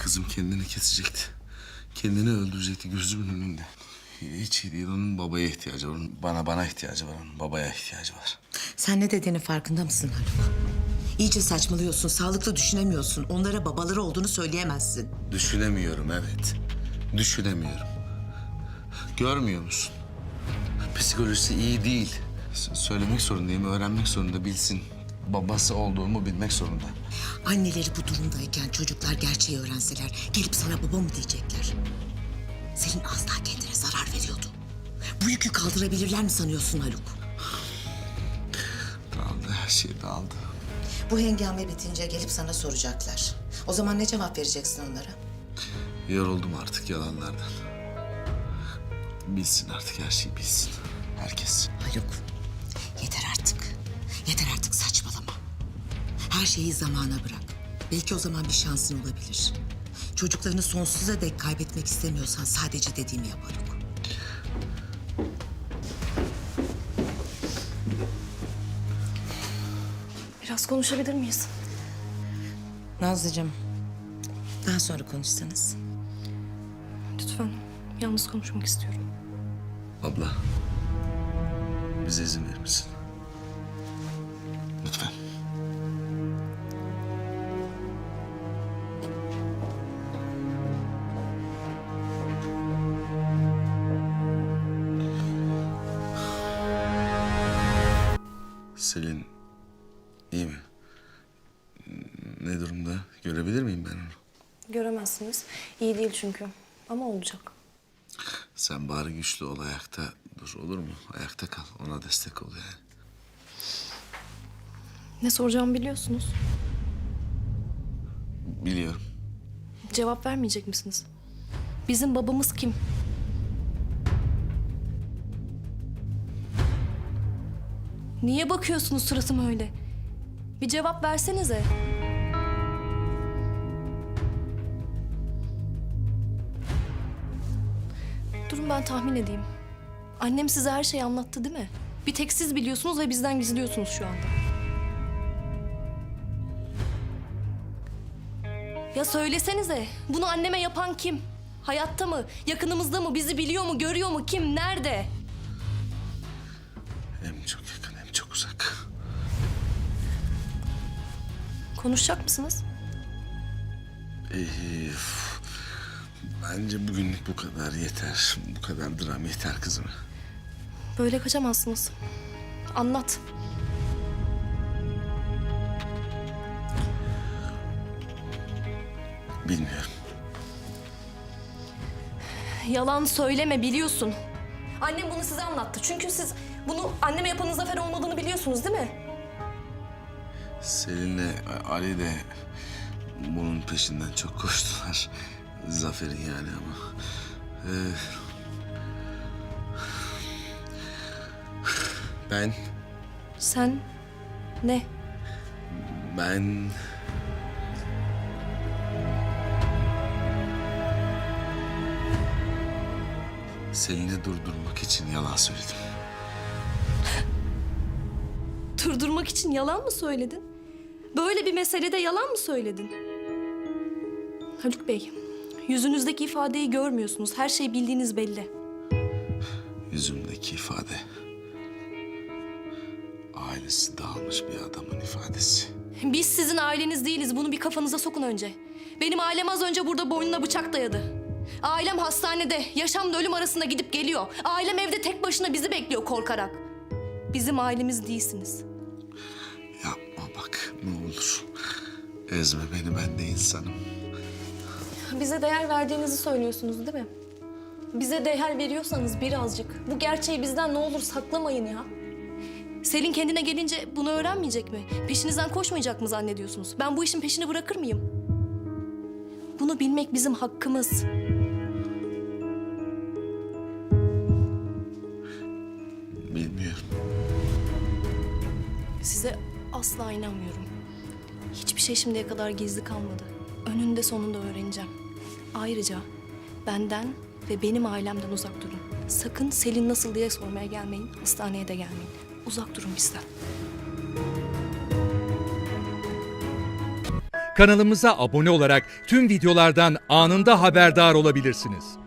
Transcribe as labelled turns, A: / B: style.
A: Kızım kendini kesecekti. Kendini öldürecekti gözümün önünde. Hiç iyi değil. Onun babaya ihtiyacı var. Onun bana ihtiyacı var. Onun babaya ihtiyacı var.
B: Sen ne dediğinin farkında mısın Haluk? İyice saçmalıyorsun, sağlıklı düşünemiyorsun. Onlara babaları olduğunu söyleyemezsin.
A: Düşünemiyorum, evet. Düşünemiyorum. Görmüyor musun? Psikolojisi iyi değil. Söylemek zorundayım, öğrenmek zorunda, bilsin. Babası olduğumu bilmek zorunda.
B: Anneleri bu durumdayken çocuklar gerçeği öğrenseler gelip sana baba mı diyecekler? Selin az daha kendine zarar veriyordu. Bu yükü kaldırabilirler mi sanıyorsun Haluk?
A: Dağıldı, her şey dağıldı.
B: Bu hengame bitince gelip sana soracaklar. O zaman ne cevap vereceksin onlara?
A: Yoruldum artık yalanlardan. Bilsin artık, her şeyi bilsin. Herkes.
B: Haluk, yeter artık. Yeter artık saçmalama. Her şeyi zamana bırak. Belki o zaman bir şansın olabilir. Çocuklarını sonsuza dek kaybetmek istemiyorsan sadece dediğimi yap Haluk.
C: Biraz konuşabilir miyiz?
B: Nazlıcığım, daha sonra konuşsanız.
C: Lütfen. Yalnız konuşmak istiyorum.
A: Abla, bize izin verir misin? Lütfen. Selin iyi mi? Ne durumda? Görebilir miyim ben onu?
C: Göremezsiniz. İyi değil çünkü. Ama olacak.
A: Sen bari güçlü ol, ayakta dur, olur mu? Ayakta kal, ona destek ol yani.
C: Ne soracağımı biliyorsunuz.
A: Biliyorum.
C: Cevap vermeyecek misiniz? Bizim babamız kim? Niye bakıyorsunuz suratıma öyle? Bir cevap versenize. Durun ben tahmin edeyim. Annem size her şeyi anlattı değil mi? Bir tek siz biliyorsunuz ve bizden gizliyorsunuz şu anda. Ya söylesenize, bunu anneme yapan kim? Hayatta mı, yakınımızda mı, bizi biliyor mu, görüyor mu, kim, nerede?
A: Hem çok yakın hem çok uzak.
C: Konuşacak mısınız?
A: Bence bugünlük bu kadar yeter. Bu kadar dram yeter kızım.
C: Böyle kaçamazsınız. Anlat.
A: Bilmiyorum.
C: Yalan söyleme, biliyorsun. Annem bunu size anlattı. Çünkü siz bunu anneme yapanın Zafer olmadığını biliyorsunuz değil mi?
A: Selin'le Ali de bunun peşinden çok koştular. Zafer'in yani ama. Ben
C: Sen ne?
A: Ben Selin'i durdurmak için yalan söyledim.
C: Durdurmak için yalan mı söyledin? Böyle bir meselede yalan mı söyledin? Haluk Bey, yüzünüzdeki ifadeyi görmüyorsunuz. Her şey bildiğiniz belli.
A: Yüzümdeki ifade ailesi dağılmış bir adamın ifadesi.
C: Biz sizin aileniz değiliz. Bunu bir kafanıza sokun önce. Benim ailem az önce burada boynuna bıçak dayadı. Ailem hastanede, yaşamla ölüm arasında gidip geliyor. Ailem evde tek başına bizi bekliyor korkarak. Bizim ailemiz değilsiniz.
A: Yapma bak ne olur. Ezme beni, ben de insanım.
C: Bize değer verdiğinizi söylüyorsunuz değil mi? Bize değer veriyorsanız birazcık bu gerçeği bizden ne olur saklamayın ya. Selin kendine gelince bunu öğrenmeyecek mi? Peşinizden koşmayacak mı zannediyorsunuz? Ben bu işin peşini bırakır mıyım? Bunu bilmek bizim hakkımız.
A: Bilmiyorum.
C: Size asla inanmıyorum. Hiçbir şey şimdiye kadar gizli kalmadı. Önünde sonunda öğreneceğim. Ayrıca benden ve benim ailemden uzak durun. Sakın Selin nasıl diye sormaya gelmeyin. Hastaneye de gelmeyin. Uzak durun bizden.
D: kanalımıza abone olarak tüm videolardan anında haberdar olabilirsiniz.